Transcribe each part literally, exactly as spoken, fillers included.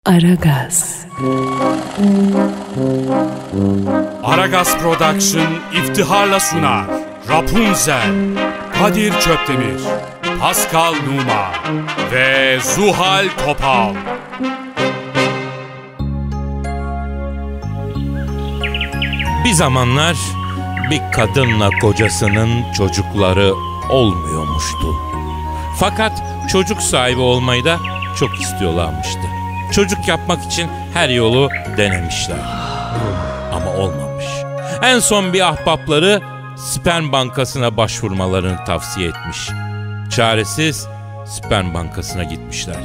Aragaz. Aragaz Production iftiharla sunar. Rapunzel, Kadir Çöpdemir, Pascal Numa ve Zuhal Topal. Bir zamanlar bir kadınla kocasının çocukları olmuyormuştu. Fakat çocuk sahibi olmayı da çok istiyorlarmıştı. Çocuk yapmak için her yolu denemişler. Ama olmamış. En son bir ahbapları sperm bankasına başvurmalarını tavsiye etmiş. Çaresiz sperm bankasına gitmişler.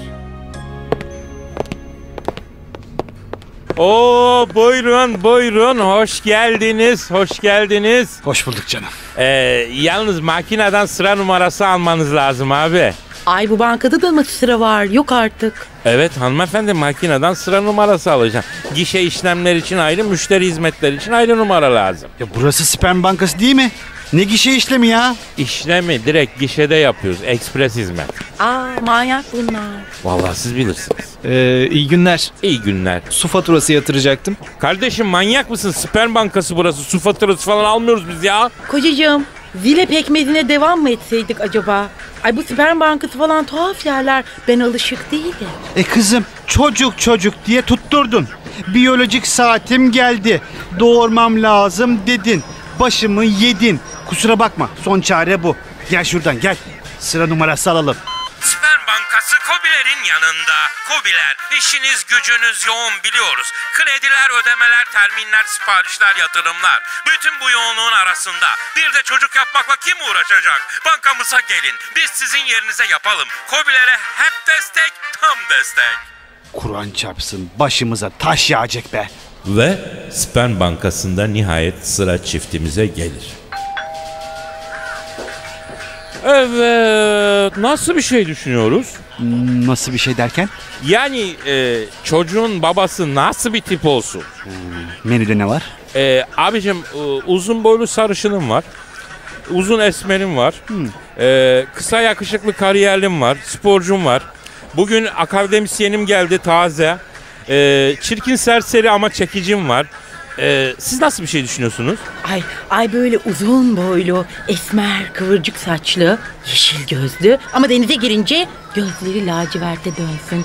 Oo, buyurun buyurun, hoş geldiniz, hoş geldiniz. Hoş bulduk canım. Ee, yalnız makineden sıra numarası almanız lazım abi. Ay, bu bankada da mı sıra var? Yok artık. Evet hanımefendi, makineden sıra numarası alacağım. Gişe işlemler için ayrı, müşteri hizmetleri için ayrı numara lazım. Ya burası sperm bankası değil mi? Ne gişe işlemi ya? İşlemi direkt gişede yapıyoruz, ekspres hizmet. Aa, manyak bunlar. Vallahi siz bilirsiniz. Ee, iyi günler. İyi günler. Su faturası yatıracaktım. Kardeşim manyak mısın? Sperm bankası burası. Su faturası falan almıyoruz biz ya. Kocacığım, zile pekmezine devam mı etseydik acaba? Ay, bu sperm bankası falan tuhaf yerler. Ben alışık değilim. E kızım, çocuk çocuk diye tutturdun. Biyolojik saatim geldi. Doğurmam lazım dedin. Başımı yedin. Kusura bakma, son çare bu. Gel şuradan gel. Sıra numarası alalım. Sperm bankası KOBİ'lerin yanında. KOBİ'ler, işiniz gücünüz yoğun biliyoruz. Krediler, ödemeler, terminler, siparişler, yatırımlar. Bütün bu yoğunluğun arasında bir de çocuk yapmakla kim uğraşacak? Bankamıza gelin. Biz sizin yerinize yapalım. KOBİ'lere hep destek, tam destek. Kur'an çarpsın, başımıza taş yağacak be. Ve sperm bankasında nihayet sıra çiftimize gelir. Evet, nasıl bir şey düşünüyoruz? Hmm, nasıl bir şey derken? Yani e, çocuğun babası nasıl bir tip olsun? Hmm, menüde ne var? E, abicim e, uzun boylu sarışınım var. Uzun esmerim var. Hmm. E, kısa yakışıklı kariyerlim var. Sporcum var. Bugün akademisyenim geldi taze. E, çirkin serseri ama çekicim var. Ee, siz nasıl bir şey düşünüyorsunuz? Ay, ay böyle uzun boylu, esmer, kıvırcık saçlı, yeşil gözlü ama denize girince gözleri laciverte dönsün.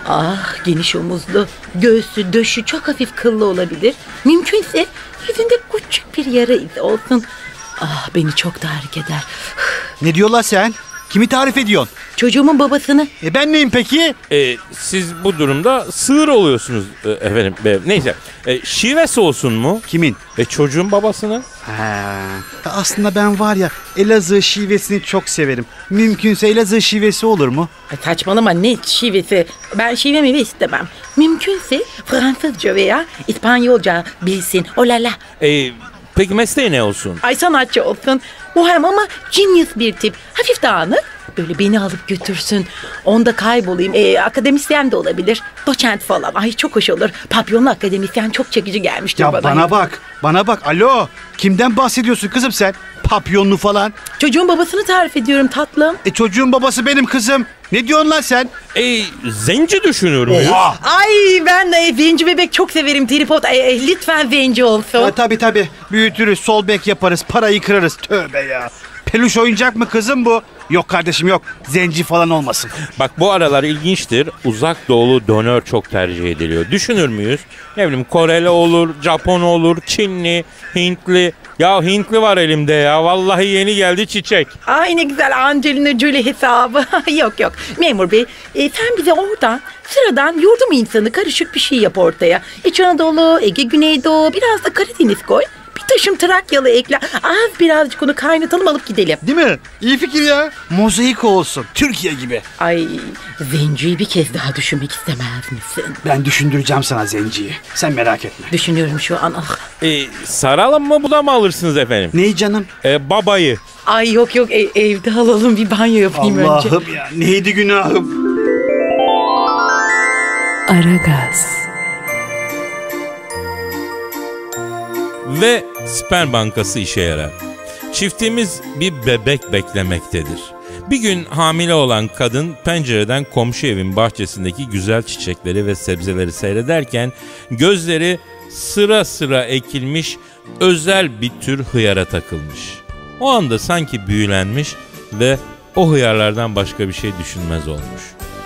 Ah, geniş omuzlu, göğsü, döşü çok hafif kıllı olabilir. Mümkünse yüzünde küçük bir yara izi olsun. Ah, beni çok tahrik eder. Ne diyorlar sen? Kimi tarif ediyorsun? Çocuğumun babasını. E ben neyim peki? Ee, siz bu durumda sığır oluyorsunuz e, efendim. E, neyse. E, şivesi olsun mu? Kimin? E, çocuğun babasının. Ha, aslında ben var ya, Elazığ şivesini çok severim. Mümkünse Elazığ şivesi olur mu? Ay, saçmalama, ne şivesi? Ben şive mive istemem. Mümkünse Fransızca veya İspanyolca bilsin. Olala. E, peki mesleği ne olsun? Ay, sanatçı olsun. Muhem ama genius bir tip. Hafif dağınık. Böyle beni alıp götürsün. Onda kaybolayım. Ee, akademisyen de olabilir. Doçent falan. Ay, çok hoş olur. Papyonlu akademisyen çok çekici gelmiştir Ya bana. bana bak. Bana bak. Alo. Kimden bahsediyorsun kızım sen? Papyonlu falan. Çocuğun babasını tarif ediyorum tatlım. E çocuğun babası benim kızım. Ne diyorsun lan sen? E, zenci düşünüyorum. Oha. Ay, ben de zenci bebek çok severim. Tripod. Ay, ay, lütfen zenci olsun. Ya, tabii tabii. Büyütürüz. Sol bek yaparız. Parayı kırarız. Tövbe ya. Peluş oyuncak mı kızım bu? Yok kardeşim yok. Zenci falan olmasın. Bak, bu aralar ilginçtir. Uzak doğulu dönör çok tercih ediliyor. Düşünür müyüz? Ne bileyim, Koreli olur, Japon olur, Çinli, Hintli. Ya Hintli var elimde ya. Vallahi yeni geldi çiçek. Ay, ne güzel Angelina Jolie hesabı. Yok yok. Memur bey, e, sen bize oradan sıradan yurdum insanı karışık bir şey yap ortaya. İç Anadolu, Ege, Güneydoğu, biraz da Karadeniz koy. Bir taşım Trakyalı ekle. Az birazcık onu kaynatalım, alıp gidelim. Değil mi? İyi fikir ya. Mozaik olsun. Türkiye gibi. Ay, zenciyi bir kez daha düşünmek istemez misin? Ben düşündüreceğim sana zenciyi. Sen merak etme. Düşünüyorum şu an. Ah. E, saralım mı, bu da mı alırsınız efendim? Neyi canım? E, babayı. Ay yok yok, e, evde alalım, bir banyo yapayım önce. Allah'ım ya, neydi günahım? Aragaz. Ve sperm bankası işe yarar. Çiftimiz bir bebek beklemektedir. Bir gün hamile olan kadın pencereden komşu evin bahçesindeki güzel çiçekleri ve sebzeleri seyrederken gözleri sıra sıra ekilmiş özel bir tür hıyara takılmış. O anda sanki büyülenmiş ve o hıyarlardan başka bir şey düşünmez olmuş.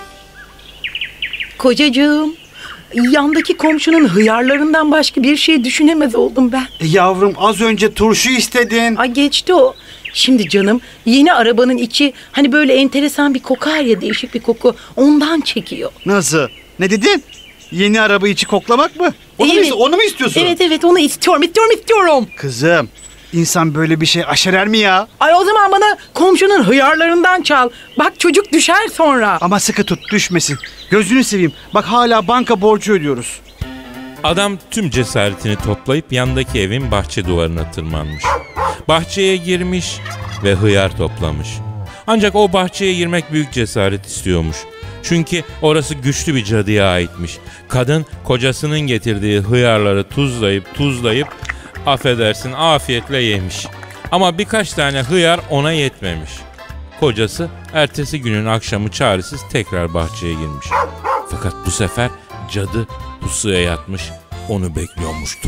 Kocacığım, yandaki komşunun hıyarlarından başka bir şey düşünemez oldum ben. E yavrum az önce turşu istedin. Ay geçti o. Şimdi canım yeni arabanın içi hani böyle enteresan bir kokar ya, değişik bir koku, ondan çekiyor. Nasıl? Ne dedin? Yeni araba içi koklamak mı? Onu, Evet. mu, onu mu istiyorsun? Evet evet onu istiyorum istiyorum istiyorum. Kızım, insan böyle bir şey aşerer mi ya? Ay o zaman bana komşunun hıyarlarından çal. Bak çocuk düşer sonra. Ama sıkı tut, düşmesin. Gözünü seveyim. Bak hala banka borcu ödüyoruz. Adam tüm cesaretini toplayıp yandaki evin bahçe duvarına tırmanmış. Bahçeye girmiş ve hıyar toplamış. Ancak o bahçeye girmek büyük cesaret istiyormuş. Çünkü orası güçlü bir cadıya aitmiş. Kadın kocasının getirdiği hıyarları tuzlayıp tuzlayıp affedersin afiyetle yemiş. Ama birkaç tane hıyar ona yetmemiş. Kocası ertesi günün akşamı çaresiz tekrar bahçeye girmiş. Fakat bu sefer cadı pusuya yatmış, onu bekliyormuştu.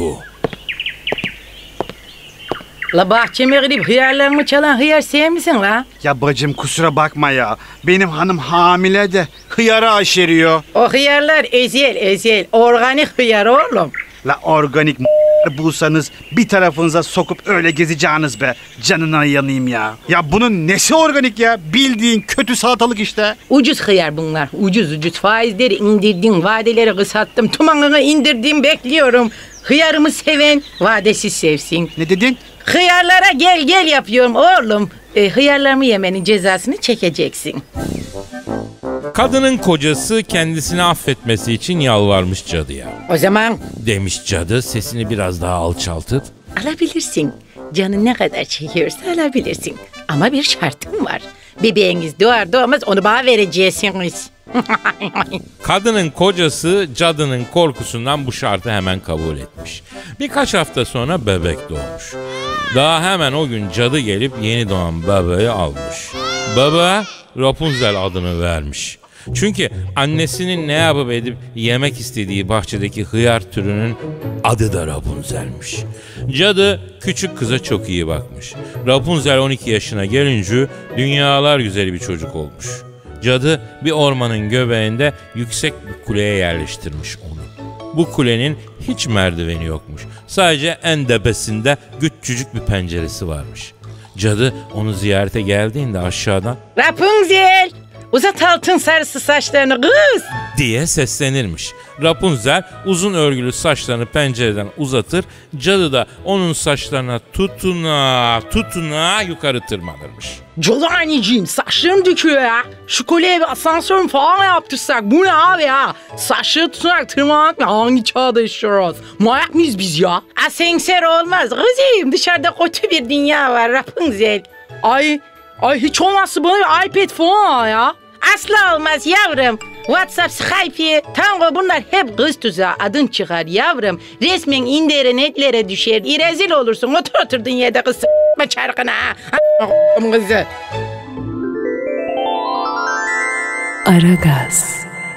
La bahçeme girip hıyarlarımı çalan hıyar sen misin la? Ya bacım kusura bakma ya. Benim hanım hamile de hıyara aşeriyor. O hıyarlar ezel ezel organik hıyar oğlum. La organik m- bulsanız bir tarafınıza sokup öyle gezeceğiniz be. Canına yanayım ya. Ya bunun nesi organik ya? Bildiğin kötü salatalık işte. Ucuz hıyar bunlar. Ucuz ucuz faizleri indirdim, vadeleri kısalttım, tumanını indirdim, bekliyorum. Hıyarımı seven vadesiz sevsin. Ne dedin? Hıyarlara gel gel yapıyorum oğlum. E, hıyarlarımı yemenin cezasını çekeceksin. Kadının kocası kendisini affetmesi için yalvarmış cadıya. O zaman Demiş cadı sesini biraz daha alçaltıp. alabilirsin. Canın ne kadar çekiyorsa alabilirsin. Ama bir şartım var. Bebeğiniz doğar doğmaz onu bana vereceksiniz. Kadının kocası cadının korkusundan bu şartı hemen kabul etmiş. Birkaç hafta sonra bebek doğmuş. Daha hemen o gün cadı gelip yeni doğan bebeği almış. Bebeğe Rapunzel adını vermiş. Çünkü annesinin ne yapıp edip yemek istediği bahçedeki hıyar türünün adı da Rapunzel'miş. Cadı küçük kıza çok iyi bakmış. Rapunzel on iki yaşına gelince dünyalar güzeli bir çocuk olmuş. Cadı bir ormanın göbeğinde yüksek bir kuleye yerleştirmiş onu. Bu kulenin hiç merdiveni yokmuş. Sadece en tepesinde küçücük bir penceresi varmış. Cadı onu ziyarete geldiğinde aşağıdan Rapunzel, uzat altın sarısı saçlarını kız diye seslenirmiş. Rapunzel uzun örgülü saçlarını pencereden uzatır, cadı da onun saçlarına tutuna tutuna yukarı tırmanırmış. Cadı anneciğim saçlarım döküyor ya. Şu kolye bir asansör falan yaptırsak bu ne abi ya? Saçları tutarak tırmanmak mı? Hangi çağda yaşıyoruz? Manyak mıyız biz ya? Asenser olmaz kızım, dışarıda kötü bir dünya var Rapunzel. Ay, ay hiç olmazsa bana bir iPad falan al ya. Asla olmaz yavrum. WhatsApp, Skype, Tango bunlar hep kız tuzağı. Adın çıkar yavrum. Resmen internetlere düşer. İrezil olursun. Otur oturdun yerde kız s**ma çarkına. A**ım kızı. Aragaz.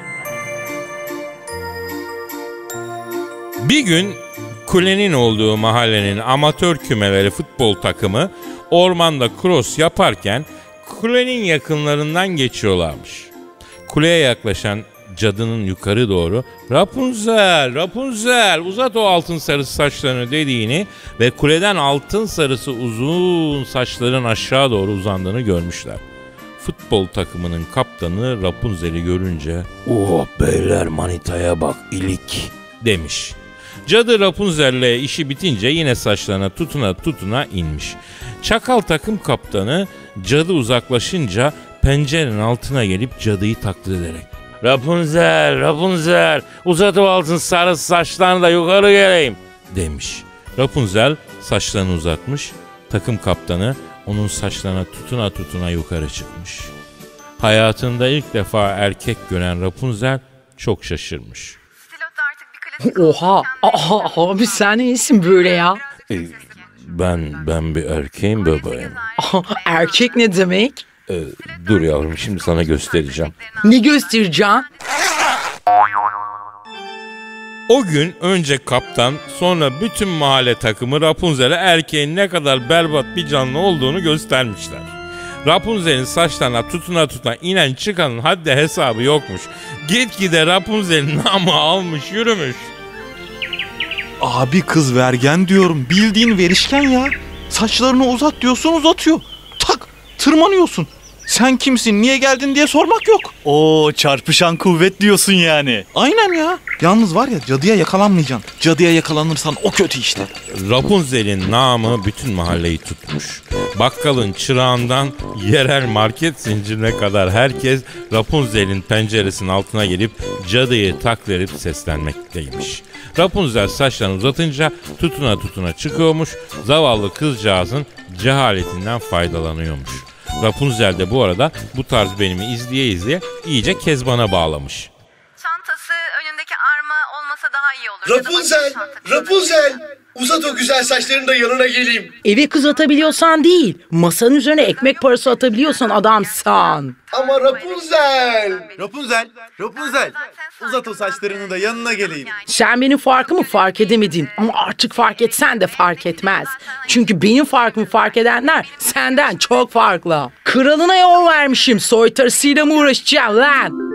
Bir gün kulenin olduğu mahallenin amatör kümeleri futbol takımı ormanda cross yaparken kulenin yakınlarından geçiyorlarmış. Kuleye yaklaşan cadının yukarı doğru Rapunzel, Rapunzel uzat o altın sarısı saçlarını dediğini ve kuleden altın sarısı uzun saçların aşağı doğru uzandığını görmüşler. Futbol takımının kaptanı Rapunzel'i görünce "Oh beyler manitaya bak ilik" demiş. Cadı Rapunzel'le işi bitince yine saçlarına tutuna tutuna inmiş. Çakal takım kaptanı cadı uzaklaşınca pencerenin altına gelip cadıyı taklit ederek "Rapunzel, Rapunzel uzat o altın sarı saçlarını da yukarı geleyim" demiş. Rapunzel saçlarını uzatmış, takım kaptanı onun saçlarına tutuna tutuna yukarı çıkmış. Hayatında ilk defa erkek gören Rapunzel çok şaşırmış. Oha, aha, abi sen iyisin böyle ya. E, ben ben bir erkeğim bebeğim. Aha, erkek ne demek? Ee, dur yavrum, şimdi sana göstereceğim. Ne göstereceğim? O gün önce kaptan, sonra bütün mahalle takımı Rapunzel'e erkeğin ne kadar berbat bir canlı olduğunu göstermişler. Rapunzel'in saçlarına tutuna tutuna inen çıkanın haddi hesabı yokmuş. Gitgide Rapunzel'in namı almış yürümüş. Abi kız vergen diyorum. Bildiğin verişken ya. Saçlarını uzat diyorsun uzatıyor. Tak tırmanıyorsun. Sen kimsin, niye geldin diye sormak yok. Oo, çarpışan kuvvet diyorsun yani. Aynen ya. Yalnız var ya, cadıya yakalanmayacaksın. Cadıya yakalanırsan o kötü işte. Rapunzel'in namı bütün mahalleyi tutmuş. Bakkalın çırağından yerel market zincirine kadar herkes Rapunzel'in penceresinin altına gelip cadıyı taklit edip seslenmekteymiş. Rapunzel saçlarını uzatınca tutuna tutuna çıkıyormuş. Zavallı kızcağızın cehaletinden faydalanıyormuş. Rapunzel de bu arada bu tarz benimi izleye izleye iyice Kezban'a bağlamış. Çantası önündeki arma olmasa daha iyi olur. Rapunzel, Rapunzel. Uzat o güzel saçlarını da yanına geleyim. Eve kız atabiliyorsan değil, masanın üzerine ekmek parası atabiliyorsan adamsan. Ama Rapunzel. Rapunzel, Rapunzel. Uzat o saçlarını da yanına geleyim. Sen benim farkımı fark edemedin ama artık fark etsen de fark etmez. Çünkü benim farkımı fark edenler senden çok farklı. Kralına yol vermişim, soytarısıyla mı uğraşacağım lan?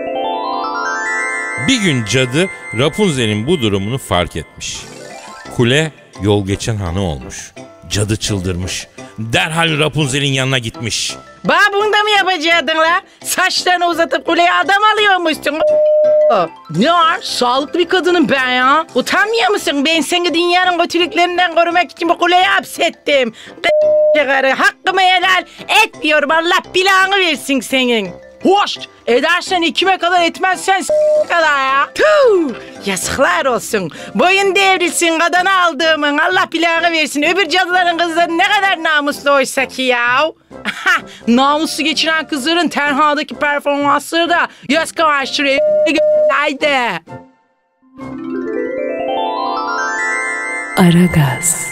Bir gün cadı Rapunzel'in bu durumunu fark etmiş. Kule yol geçen hanı olmuş. Cadı çıldırmış. Derhal Rapunzel'in yanına gitmiş. Ba bunu da mı yapacaktın la? Saçlarını uzatıp kuleye adam alıyormuşsun. Ne var? Sağlıklı bir kadınım ben ya. Utanmıyor musun? Ben seni dünyanın kötülüklerinden korumak için bu kuleye hapsettim. Hakkımı helal etmiyorum. Allah belanı versin senin. Hoş! Edersen ikime kadar, etmezsen s*** kadar ya. Tuh! Yazıklar olsun. Boyun devrilsin kadını aldığımın. Allah belanı versin. Öbür cadıların kızları ne kadar namuslu oysa ki ya. Namuslu geçiren kızların tenhadaki performansları da göz kamaştırıyor. Haydi. Aragaz.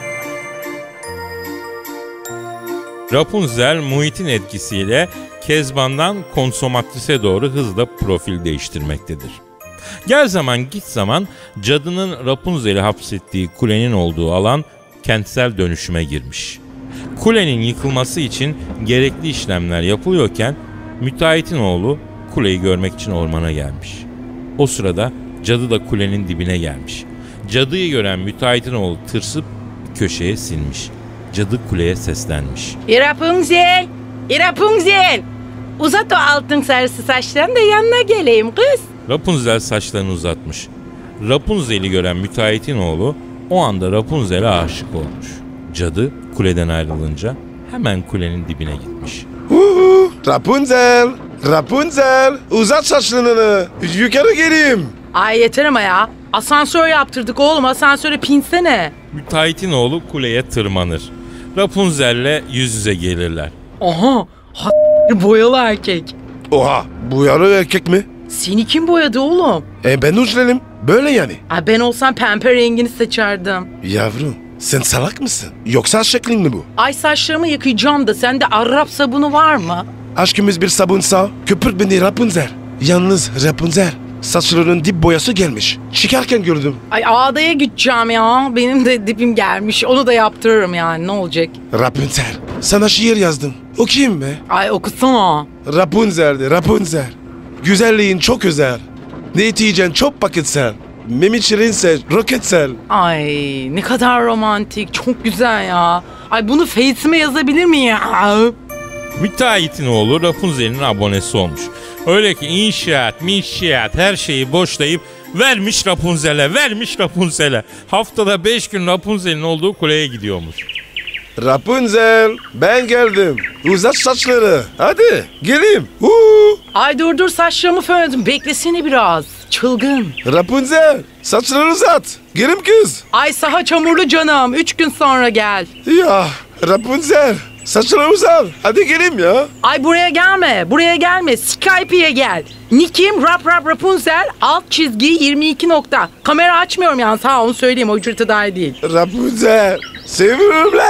Rapunzel muhitin etkisiyle Kezban'dan konsomatrise doğru hızla profil değiştirmektedir. Gel zaman git zaman cadının Rapunzel'i hapsettiği kulenin olduğu alan kentsel dönüşüme girmiş. Kulenin yıkılması için gerekli işlemler yapılıyorken müteahhitin oğlu kuleyi görmek için ormana gelmiş. O sırada cadı da kulenin dibine gelmiş. Cadıyı gören müteahhitin oğlu tırsıp bir köşeye sinmiş. Cadı kuleye seslenmiş. Rapunzel, Rapunzel. Uzat o altın sarısı saçlarını da yanına geleyim kız. Rapunzel saçlarını uzatmış. Rapunzel'i gören müteahhitin oğlu o anda Rapunzel'e aşık olmuş. Cadı kuleden ayrılınca hemen kulenin dibine gitmiş. Rapunzel, Rapunzel. Uzat saçlarını. Yukarı geleyim. Ay yeter ama ya. Asansör yaptırdık oğlum, asansöre pinsene. Müteahhitin oğlu kuleye tırmanır. Rapunzel'le yüz yüze gelirler. Aha, ha boyalı erkek. Oha, bu yarı erkek mi? Seni kim boyadı oğlum? E ben uçlerim. Böyle yani. Ay ben olsam pembe rengini seçerdim. Yavrum, sen salak mısın? Yoksa şeklin mi bu? Ay saçlarımı yıkayacağım da sende Arap sabunu var mı? Aşkımız bir sabunsa köpürt beni Rapunzel. Yalnız Rapunzel, saçlarının dip boyası gelmiş. Çıkarken gördüm. Ay ağdaya gideceğim ya. Benim de dipim gelmiş. Onu da yaptırırım yani, ne olacak? Rapunzel, sana şiir yazdım. Okuyayım mı? Ay okusana. Rapunzel'di Rapunzel. Güzelliğin çok özel. Ne yiyeceksin çok paketsel. Memi şirinse roketsel. Ay ne kadar romantik. Çok güzel ya. Ay bunu Face'ime yazabilir miyim ya? Müteahhitin oğlu Rapunzel'in abonesi olmuş. Öyle ki inşaat, minşaat her şeyi boşlayıp vermiş Rapunzel'e, vermiş Rapunzel'e. Haftada beş gün Rapunzel'in olduğu kuleye gidiyormuş. Rapunzel, ben geldim. Uzat saçları. Hadi geleyim. Huu. Ay dur dur, saçlarımı fönledim. Beklesene biraz. Çılgın. Rapunzel, saçları uzat. Gelim kız. Ay saha çamurlu canım. Üç gün sonra gel. Ya Rapunzel, saçları uzat. Hadi geleyim ya. Ay buraya gelme. Buraya gelme. Skype'ye gel. Nick'im Rap Rap Rapunzel alt çizgi yirmi iki nokta. Kamera açmıyorum yani, sağ onu söyleyeyim, o ücrete dahi değil. Rapunzel, seviyorum lan.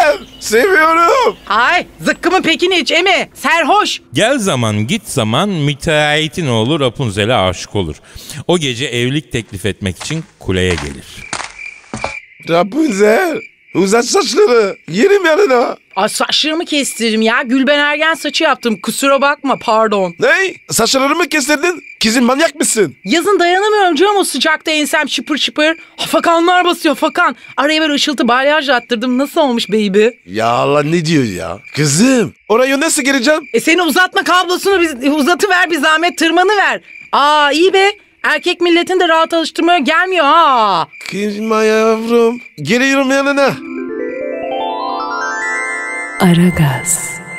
Seviyorum. Ay zıkkımın pekini iç emi. Serhoş. Gel zaman git zaman müteahhitin oğlu Rapunzel'e aşık olur. O gece evlilik teklif etmek için kuleye gelir. Rapunzel. Uzat saçları. Yerim yanına. Ay saçlarımı kestiririm ya. Gülben Ergen saçı yaptım. Kusura bakma pardon. Ne? Saçlarını mı kestirdin? Kızım manyak mısın? Yazın dayanamıyorum canım o sıcakta ensem şıpır şıpır. Hafakanlar basıyor fakan. Araya böyle ışıltı balyaj attırdım. Nasıl olmuş baby? Ya Allah ne diyor ya? Kızım oraya nasıl gireceğim? E seni uzatma kablosunu biz, uzatıver bir zahmet tırmanı ver. Aa iyi be. Erkek milletin de rahat alıştırmaya gelmiyor ha. Kızma yavrum. Geliyorum yanına. Aragaz.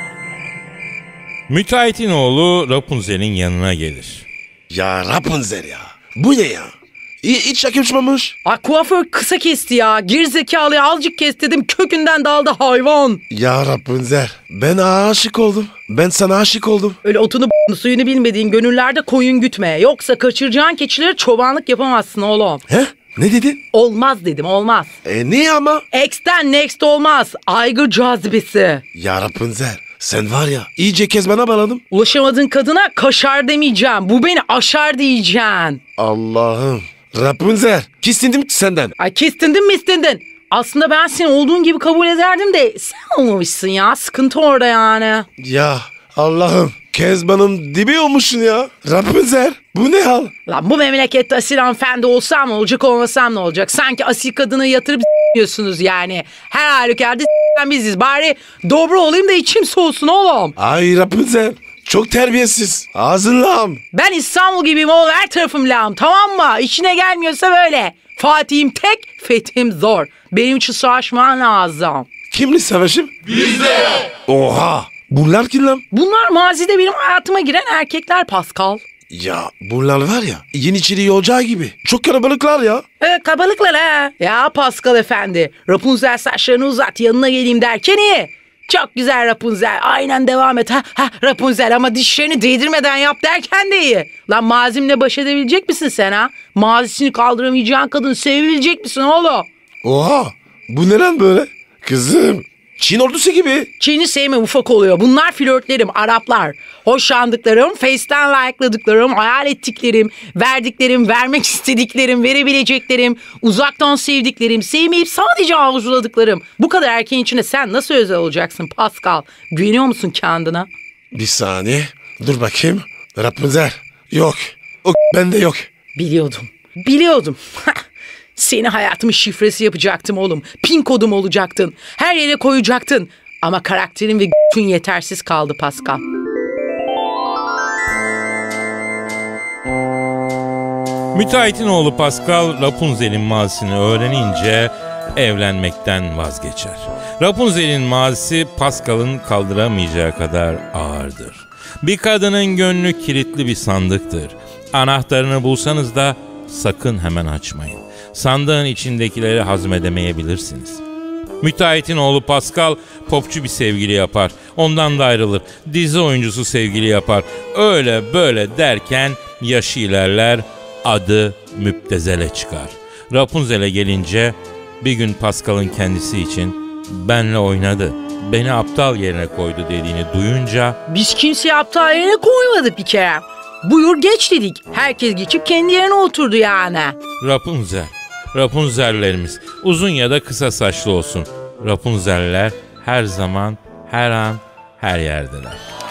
Müteahhitin oğlu Rapunzel'in yanına gelir. Ya Rapunzel ya. Bu ne ya? Hiç, hiç yakışmamış. Ay kuaför kısa kesti ya. Gerizekalıya azıcık kes dedim kökünden daldı hayvan. Ya Rapunzel ben aşık oldum. Ben sana aşık oldum. Öyle otunu b***ını, suyunu bilmediğin gönüllerde koyun gütme. Yoksa kaçıracağın keçileri çobanlık yapamazsın oğlum. He? Ne dedin? Olmaz dedim olmaz. E niye ama? X'ten next olmaz. Aygır cazibesi. Ya Rapunzel sen var ya iyice kezbana bağladım. Ulaşamadığın kadına kaşar demeyeceğim. Bu beni aşar diyeceksin. Allah'ım. Rapunzel kistindim senden. Ay kestindin mi istindin? Aslında ben seni olduğun gibi kabul ederdim de sen olmamışsın ya. Sıkıntı orada yani. Ya Allah'ım. Kezban'ın dibi olmuşsun ya. Rapunzel bu ne hal? Lan bu memlekette asil hanımefendi olsam ne olacak olmasam ne olacak? Sanki asil kadını yatırıp s**yorsunuz yani. Her halükarda s**den biziz. Bari dobra olayım da içim soğusun oğlum. Ay Rapunzel çok terbiyesiz. Ağzın lağım. Ben İstanbul gibiyim oğlum her tarafım lağım tamam mı? İşine gelmiyorsa böyle. Fatih'im tek, fethim zor. Benim için savaşman lazım. Kimle savaşım? Bizde. Oha. Bunlar kim lan? Bunlar mazide benim hayatıma giren erkekler Pascal. Ya bunlar var ya Yeniçeri Ocağı gibi. Çok kalabalıklar ya. Evet kabalıklar ha. Ya Pascal efendi. Rapunzel saçlarını uzat yanına geleyim derken iyi. Çok güzel Rapunzel. Aynen devam et. Ha, ha Rapunzel ama dişlerini değdirmeden yap derken de iyi. Lan mazimle baş edebilecek misin sen ha? Mazisini kaldıramayacağın kadın sevebilecek misin oğlum? Oha. Bu ne lan böyle? Kızım. Çin ordusu gibi. Çin'i sevme ufak oluyor. Bunlar flörtlerim, Araplar. Hoşlandıklarım, Face'ten like'ladıklarım, hayal ettiklerim, verdiklerim, vermek istediklerim, verebileceklerim, uzaktan sevdiklerim, sevmeyip sadece arzuladıklarım. Bu kadar erkeğin içinde sen nasıl özel olacaksın Pascal? Güveniyor musun kendine? Bir saniye. Dur bakayım. Rapunzel. Yok. O bende yok. Biliyordum. Biliyordum. Seni hayatımın şifresi yapacaktım oğlum. Pin kodum olacaktın. Her yere koyacaktın. Ama karakterin ve g***ün yetersiz kaldı Pascal. Müteahhitin oğlu Pascal Rapunzel'in mazisini öğrenince evlenmekten vazgeçer. Rapunzel'in mazisi Pascal'ın kaldıramayacağı kadar ağırdır. Bir kadının gönlü kilitli bir sandıktır. Anahtarını bulsanız da sakın hemen açmayın. Sandığın içindekileri hazmedemeyebilirsiniz. Müteahhitin oğlu Pascal popçu bir sevgili yapar. Ondan da ayrılır. Dizi oyuncusu sevgili yapar. Öyle böyle derken yaşı ilerler, adı Müptezel'e çıkar. Rapunzel'e gelince bir gün Pascal'ın kendisi için benle oynadı, beni aptal yerine koydu dediğini duyunca biz kimseyi aptal yerine koymadık bir kere. Buyur geç dedik. Herkes geçip kendi yerine oturdu yani. Rapunzel, Rapunzellerimiz uzun ya da kısa saçlı olsun. Rapunzeller her zaman, her an, her yerdeler.